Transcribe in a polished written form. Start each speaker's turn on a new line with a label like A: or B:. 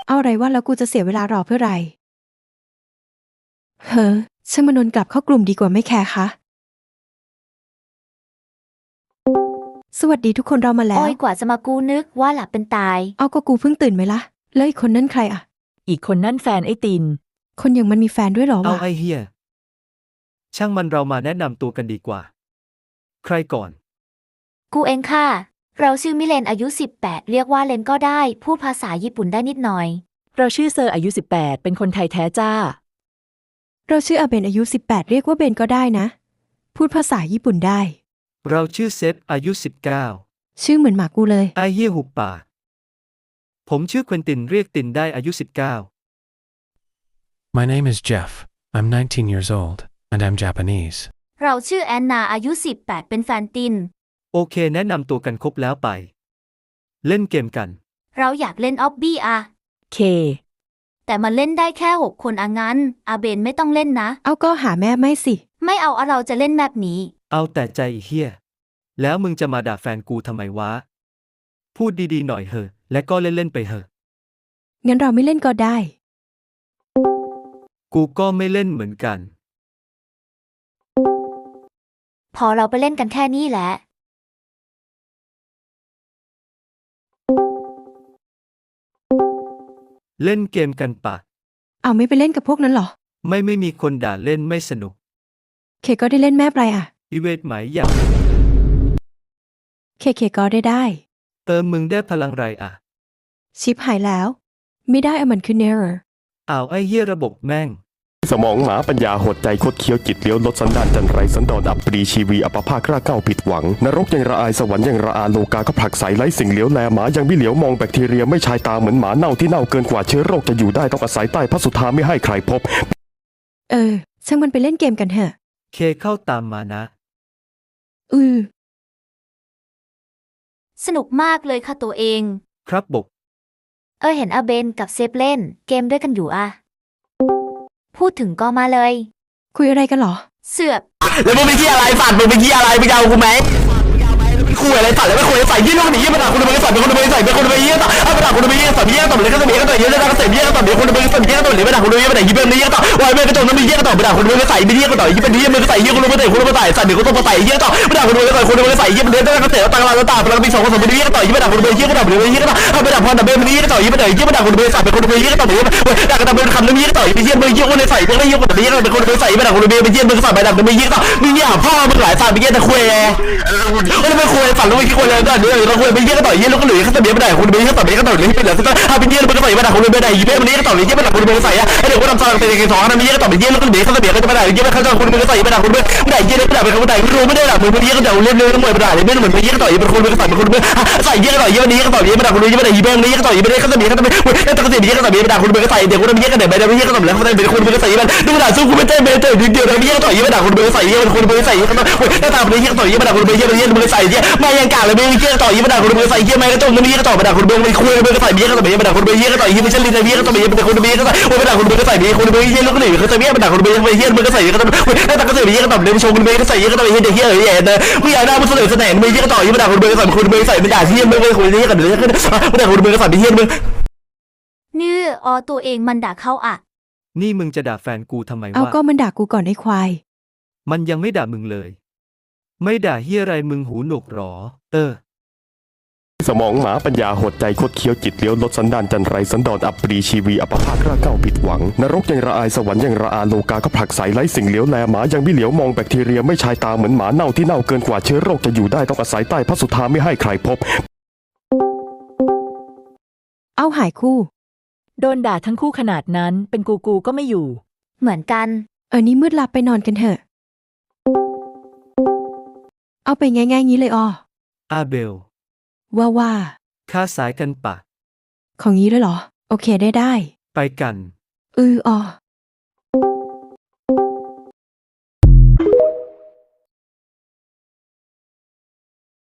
A: เอาอะไรว่าแล้วกูจะเสียเวลารอเพื่อไรเฮ้อช่างมานนกลับเข้ากลุ่มดีกว่าไม่แคร์คะสวัสดีทุกคนเรามาแล้ว
B: โอ้ยกว่าจะมากูนึกว่าหลับเป็นตาย
A: เอาก็กูเพิ่งตื่นไหมล่ะแล้วอีกคนนั่นใครอะ
C: อีกคนนั่นแฟนไอ้ติน
A: คนอย่างมันมีแฟนด้วยเหรอ
D: เอา
A: วะ
D: ไอเฮียช่างมันเรามาแนะนำตัวกันดีกว่า ใครก่อน
B: กูเองค่ะ เราชื่อมิเลนอายุ18เรียกว่าเลนก็ได้พูดภาษาญี่ปุ่นได้นิดหน่อย
C: เราชื่อเซอร์อายุ18เป็นคนไทยแท้จ้า
A: เราชื่ออาเบนอายุ18เรียกว่าเบนก็ได้นะ พูดภาษาญี่ปุ่นได้
D: เราชื่อเซฟอายุ19
A: ชื่อเหมือนหมากูเลย
D: ไอเฮียหุบปากผมชื่อเควินตินเรียกตินได้อายุ19
E: My name is Jeff. I'm 19 years old, and I'm Japanese.
B: เราชื่อแอนนาอายุ18เป็นแฟนติน
D: โอเคแนะนำตัวกันครบแล้วไป เล่นเกมกัน
B: เราอยากเล่นออบบี้อะ
C: เค
B: แต่มันเล่นได้แค่6คนอะงั้นอาเบนไม่ต้องเล่นนะ
A: เอาก็หาแม่ไม่สิ
B: ไม่เอาอะเราจะเล่นแบบนี้
D: เอาแต่ใจไอ้เฮียแล้วมึงจะมาด่าแฟนกูทำไมวะ พูดดีๆหน่อยเหอะและก็เล่นๆไปเหอะ
A: งั้นเราไม่เล่นก็ได้
D: กูก็ไม่เล่นเหมือนกัน
B: พอเราไปเล่นกันแค่นี้แหละ
D: เล่นเกมกันปะ
A: เอาไม่ไปเล่นกับพวกนั้นเหรอ
D: ไม่มีคนด่าเล่นไม่สนุก
A: เคก็ได้เล่นแม่ปลายอะ
D: อีเวทไหมอยาก
A: เคก็ได้
D: เติมมึงได้พลังไรอะ
A: ชิปหายแล้ว ไม่ได้อะมันคือ error
D: อ้าวไอ้เหี้ยระบบแม่ง
F: สมองหมาปัญญาหดใจคดเคี้ยวจิตเลี้ยวลดสันดานจันไรสันดอนอับปรีชีวีอัปภาคกล้าเก้าผิดหวังนรกยังระอายสวรรค์ยังระอาโลกาก็ผลักใสไร้สิ่งเหลียวแลหมายังไม่เหลียวมองแบคทีเรียไม่ชายตาเหมือนหมาเน่าที่เน่าเกินกว่าเชื้อโรคจะอยู่ได้ต้องอาศัยใต้พระสุธาไม่ให้ใครพบ
A: ช่างมันไปเล่นเกมกันเถอะ
D: เคเข้าตามมานะ
B: สนุกมากเลยค่ะตัวเอง
D: ครับบก
B: เห็นอาเบนกับเซฟเล่นเกมด้วยกันอยู่อะพูดถึงก็มาเลย
A: คุยอะไรกันเหรอ
B: เสือก
G: แล้วมึงไปที่อะไรสัตว์มึงไปที่อะไรมึงจะเอากูไหมคุยอะไรสัตว์แล้วไม่คุยใส่ยี่ลูกหนีมาด่าคุณไปใส่เป็นคนไปใส่เป็นคนไปยี่ต่อเอาไปด่าคุณไปยี่ใส่ยี่ต่อเลยก็จะมีก็ต่อเยอะแล้วก็เสพยี่ต่อเดี๋ยวคุณไปใส่ยี่ต่อเลยไปด่าคุณไปยี่ไปไหนยี่เป็นยี่ต่อวายไม่กระจกนั้นมียี่ต่อไปด่าคุณไปใส่เป็นยี่ก็ต่อยี่เป็นยี่มึงใส่ยี่คุณไปใส่คุณไปใส่ใส่เดี๋ยวก็ต้องไปใส่ยี่ต่อไปด่าคุณไปใส่คุณไปใส่ยี่เป็นเดือนแล้วก็เตะตังเราตาเรามี2 คน2 เป็นยี่ก็ต่อยี่ไปด่าคุณไปยี่ก็ต่อเดี๋ยวยี่ก็ต่อเอาไปด่าพรดับเบิลยี่ก็ต่อยี่ไปไหนยี่ไปด่าคุณไปใส่เป็นคนไปยี่ก็ต่อเดี๋ยวด่ากันดับเบิลคำนึงยี่ก็ต่อยี่มึงยี่คนใส่เป็นยี่คนต่อยี่เป็นคนไปใส่ไปด่าคุณไปยี่มึงใส่ไปด่าคุณไปยี่ก็ต่อมึงยี่พ่อมึงหลายสัตว์ไปยี่ตะคุยไม่ไม่คุยสัตว์แล้วไม่คุยเลยก็เดี๋ยวเราคุยไปยี่ก็ต่อยี่แล้วก็เหลือเขาจะเบี้ยไม่ได้คุณไปยี่ก็ต่อเบี้ยก็ต่อเลยเป็นเหลือก็ถ้าเป็นยี่มันก็ต่อยี่ไม่ได้คุณไม่ได้ยี่มันนี้ก็ต่อยี่ไม่ได้คุณไปใส่อะเดี๋ยวก็ทำซองเป็น2นะมียี่ก็ต่อเป็นยี่แล้วก็เหลือเขาจะเบี้ยก็จะไม่ได้ยี่ไม่เข้าใจคุณไปใส่ไม่ได้คุณไม่ได้ยี่ไม่ได้เป็นคนใดไม่รู้ไม่ได้หรอกมึงยี่ก็เดี๋ยวเล่นๆมวยไม่ได้เลยไม่เหมือนยี่ก็ต่อยี่เป็นคนไปใส่เป็นคนใส่ยี่ก็ต่อยี่วันนี้ก็ต่อยี่ไม่ได้คุณยี่ไม่ได้ยี่เป็นยี่ก็ต่อยี่ไม่ได้เขาจะเบี้ยเขาจะไม่แล้วต้องเสียยี่ก็ต่อเบี้ยไม่ได้คุณไปใส่เดี๋ยวคุณยี่ก็เดี๋ยวไม่ได้ยี่ก็ต่อแล้วเขาจะเป็นคนไปใส่มันดูด่าสู้คุณไม่ได้เบี้ยเดียวยี่ก็ต่อยี่ไม่ได้คุณไปใส่ยี่เป็นคนไปใส่ยี่ก็ต้องแล้วตามไปยี่ก็ต่อยี่ไม่ได้คุณไปยี่มึงใส่ยี่ไม่ยังกล่าวเลยมึงยี่ก็ต่อยี่ไม่ได้คุณไปใส่ยี่ไม่ก็ต้องมึงยี่ก็ต่อไม่ได้คุณไปคุยมึงก็ใส่ยี่ก็ต่อยี่ไม่ได้คุณไปยี่ก็ต่อยี่ไม่ใช่ลิ้นยี่ก็ต่อยี่เป็นคนไปยี่ก็ใส่ไม่ได้คุณไปก็ใส่ยี่คุณไปยี่ลูกหนีเขาจะเบี้ยไม่ได้คุณไปยี่มึงก็ใส่ยี่ก็ต้องแล้วตามก็ใส่ยี่ก็ต่อเลยชงคุณไปก็ใส่ยี่ก็ต่อยี่เด็กยี่เอ๋นะมึงอยากได้มึงเสนอเสนอมึงยี่ก็ต่อยี่ไม่ได้คุณไปใส่คุณไปใส่ไม่ได้ที่มึงไปคุยยี่ก็เดี๋ยวไม่ได้คุณไปก็ใส่ยี่มึง
B: นี่ตัวเองมันด่าเขาอะ
D: นี่มึงจะด่าแฟนกูทำไม
A: เอา
D: วะ
A: ก็มันด่ากูก่อนไอ้ควาย
D: มันยังไม่ด่ามึงเลย ไม่ด่าเฮียอะไรมึงหูหนวกหรอ
F: สมองหมาปัญญาหดใจคดเคี้ยวจิตเลี้ยวลดสันดานจันไรสันดอนอับปรีชีวีอัปภาคกล้าเก้าผิดหวังนรกยังระอายสวรรค์ยังระอาโลกาก็ผลักใสไร้สิ่งเหลียวแลหมายังไม่เหลียวมองแบคทีเรียไม่ชายตาเหมือนหมาเน่าที่เน่าเกินกว่าเชื้อโรคจะอยู่ได้ต้องอาศัยใต้พระสุธาไม่ให้ใครพบ
A: เอาหายคู่
C: โดนด่าทั้งคู่ขนาดนั้นเป็นกูก็ไม่อยู่
B: เหมือนกัน
A: นี่มืดลับไปนอนกันเถอะ เอาไปง่ายๆงี้เลย
D: อาเบล
A: ว่า
D: ค่าสายกันปะ
A: ของงี้เลยเหรอ โอเคได้
D: ไปกัน
A: อ๋อ